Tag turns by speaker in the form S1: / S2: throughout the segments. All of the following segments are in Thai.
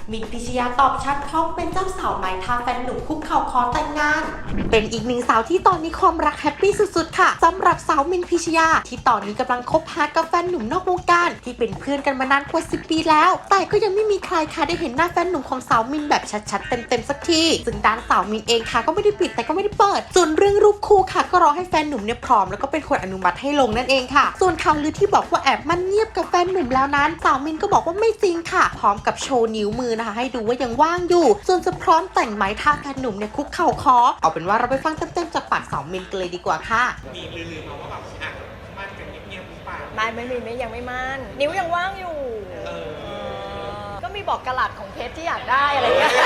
S1: มินพิชยาตอบชัดพร้อมเป็นเจ้าสาวใหม่ทางแฟนหนุ่มคุกเข่าขอแต่งงานเป็นอีกหนึ่งสาวที่ตอนนี้ความรักแฮปปี้สุดๆค่ะสำหรับสาวมินพิชยาที่ตอนนี้กำลังคบหากับแฟนหนุ่มนอกวงการที่เป็นเพื่อนกันมานานกว่า10 ปีแล้วแต่ก็ยังไม่มีใครค่ะได้เห็นหน้าแฟนหนุ่มของสาวมินแบบชัดๆเต็มๆสักทีซึ่งด้านสาวมินเองค่ะก็ไม่ได้ปิดแต่ก็ไม่ได้เปิดส่วนเรื่องรูปคู่ค่ะก็รอให้แฟนหนุ่มเนี่ยพร้อมแล้วก็เป็นคนอนุมัติให้ลงนั่นเองค่ะส่วนข่าวลือที่บอกว่าแอบมันเงียบกับแฟนหนุ่มแล้วนั้นสาวมินก็บอกว่าไม่จริงค่ะพร้อมกับโชว์นิ้วมือนะคะให้ดูว่ายังว่างอยู่ส่วนจะพร้อมแต่งไหมถ้าแฟนหนุ่มเนี่ยคุกเข่าขอเอาเป็นว่าเราไปฟังเต็มๆจากปากสาวมินกันเลยดีกว่าค่ะ
S2: มีลือๆมาว่าแบบอ่ะมั่นกันเงียบๆหรือเปล่า
S3: ไม่ยังไม่มั่นนิ้วยังว่างอยู่ก็มีบอกกะลัดของเพชรที่อยากได้อะไรเงี้ย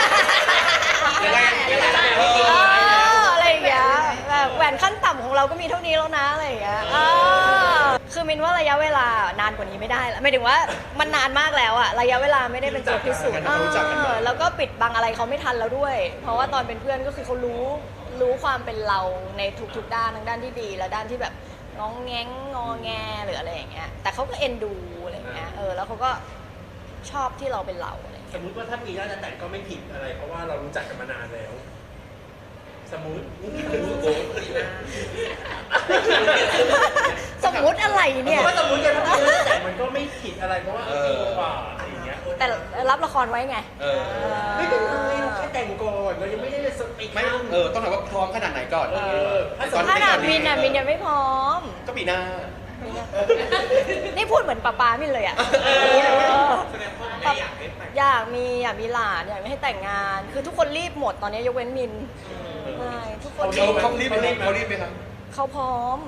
S3: อะไรอย่างเงี้ยแบบแหวนขั้นต่ำของเราก็มีเท่านี้แล้วนะอะไรอย่างเงี้ยคือมินว่าระยะเวลานานกว่านี้ไม่ได้แล้วหมายถึงว่ามันนานมากแล้วอะระยะเวลาไม่ได้เป็นตัวพิสูจน์แล้วก็ปิดบังอะไรเขาไม่ทันแล้วด้วยเพราะว่าตอนเป็นเพื่อนก็คือเขารู้ความเป็นเราในทุกๆด้านทั้งด้านที่ดีและด้านที่แบบง้องแง้งงอแงหรืออะไรอย่างเงี้ยแต่เขาก็เอ็นดูอะไรอย่างเงี้ยแล้วเขาก็ชอบที่เราเป็นเราอะไร
S2: สมมุติว่าถ้ามีแล้วจะแต่งก็ไม่ผิดอะไรเพราะว่าเรารู้จักกันมานานแล้วสมมุติ
S3: อะไรเนี่ย
S2: สมมุติกันถ้ามีแล้วแต่มันก็ไม่ผิดอะไรเพราะว่าปีกว่าอะไรอย่างเงี้ย
S3: แต่รับละครไว้ไง
S2: ไม่เป็นไรเราแค่แต่งก่อนเรายังไม่ได้สติ
S4: ไม่ต้องถามว่าพร้อมขนาดไหนก่อน
S3: ขนาดมินยังไม่พร้อม
S4: ก็ปีหน้า
S3: นี่พูดเหมือนป้ามินเลยอ่ะอยากมีหลานอยากให้แต่งงานคือทุกคนรีบหมดตอนนี้ยกเว้นมินใช่ทุกคน
S4: เขารีบไหมครับ
S3: เขาพร้อม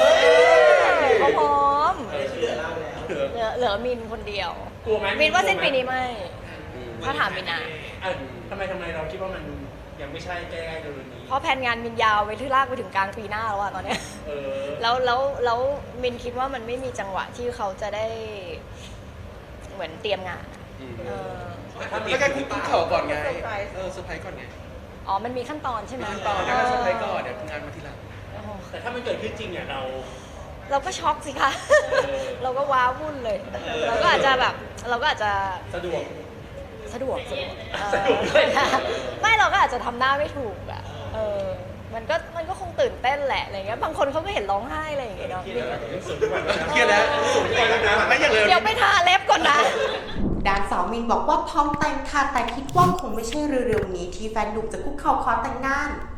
S3: เหลือมินคนเดียว
S2: กลัวไหม
S3: มินว่าสิ้นปีนี้ไม่ถ้าถามมินนะ
S2: ทำไมเราคิดว่ามันยังไม่ใช่ใกล้ๆเร็วๆนี้
S3: เพราะแผนงานมินยาวไปที่ลากไปถึงกลางปีหน้าแล้วอะตอนเนี้ยแล้วมินคิดว่ามันไม่มีจังหวะที่เขาจะได้เหมือนเตรียมงาน
S4: แล้วการคุกเข่าก่อนไงเซอร์ไพรส์ก่อนไง
S3: อ๋อมันมีขั้นตอนใช่ไหม
S4: ขั้นตอนการเซอร์ไพรส์ก่อนเดี๋ยวงานมาทีหลัง
S2: แต่ถ้ามันเกิดขึ้นจริงเนี่ย
S3: เราก็ช็อกสิคะเราก็ว้าวุ่นเลยเราก็อาจจะ
S2: สะดวก
S3: ไม่เราก็อาจจะทำหน้าไม่ถูกอ่ะมันก็คงตื่นเต้นแหละอะไรเงี้ยบางคนเขาก็เห็นร้องไห้อะไรอย่างเงี้ยเนาะ
S4: เครียดแล้วไม่อย่างเลย
S3: เดี๋ยวไปทาเล็บก่อนนะ
S1: ด้านสาวมินบอกว่าพร้อมแต่งค่ะแต่คิดว่าคงไม่ใช่เร็วๆนี้ที่แฟนหนุ่มจะคุกเข่าขอแต่งงาน